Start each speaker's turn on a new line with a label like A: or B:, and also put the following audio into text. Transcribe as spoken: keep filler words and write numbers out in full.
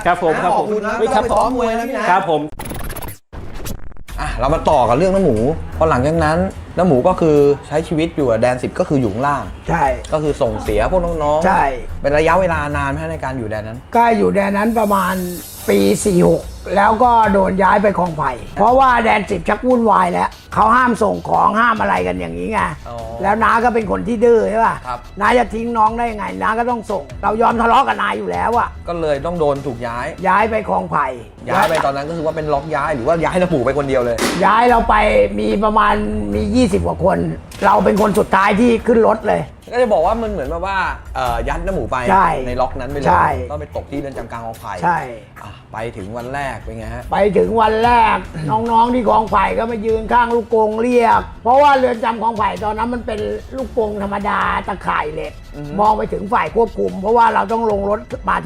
A: ครับผมครับ
B: ข
A: ผ
B: อบ
A: ม
B: คุณนะ
A: เฮ้ย
B: ค
A: ค
B: รั
A: รั
B: บบ ไปซ้อมมวยนะพี่นะครับ
A: ผม
B: อ่ะเรามาต่อกับเรื่องน้ำหมูพอหลังจากนั้นน้ำหมูก็คือใช้ชีวิตอยู่กับแดนสิบก็คืออยู่ข้างล่าง
C: ใช่
B: ก็คือส่งเสียพวกน้องๆ
C: ใช่
B: เป็นระยะเวลานานไหมในการอยู่แดนนั้น
C: ก็อยู่แดนนั้นประมาณปีสี่หกแล้วก็โดนย้ายไปคลองไผ่เพราะว่าแดนสิบชักวุ่นวายแล้วเขาห้ามส่งของห้ามอะไรกันอย่างนี้ไง
B: อ๋อ
C: แล้วน้าก็เป็นคนที่ดื้อใช่ป่ะ
B: ครับ
C: น้าจะทิ้งน้องได้ยังไงน้าก็ต้องส่ง เรายอมทะเลาะกับนายอยู่แล้วอะ
B: ก็เลยต้องโดนถูกย้าย
C: ย้ายไปคลองไผ่
B: ย้ายไปตอนนั้นก็คือว่าเป็นล็อกย้ายหรือว่าย้ายน้ำหมูไปคนเดียวเลย
C: ย้ายเราไปมีประมาณมียี่สิบกว่าคน เราเป็นคนสุดท้ายที่ขึ้นรถเลย
B: ก็จะบอกว่ามันเหมือนแบบว่าเอ่อยัดน้ำหมูไป
C: ใช่
B: ล็อกนั้นไปเลย
C: ใช่
B: ก็ไปตกที่เรือนจำกลางคลองไผ่
C: ใช่
B: อ่ะไปถึงวันแรกเป็นไงฮะ
C: ไปถึงวันแรก น้องๆที่คลองไผ่ก็มายืนข้างลูกกรงเรียก เพราะว่าเรือนจำคลองไผ่ตอนนั้นมันเป็นลูกกรงธรรมดาตะข่ายเหล็ก
B: อือฮึ
C: มองไปถึงฝ่ายควบคุม เพราะว่าเราต้องลงรถมา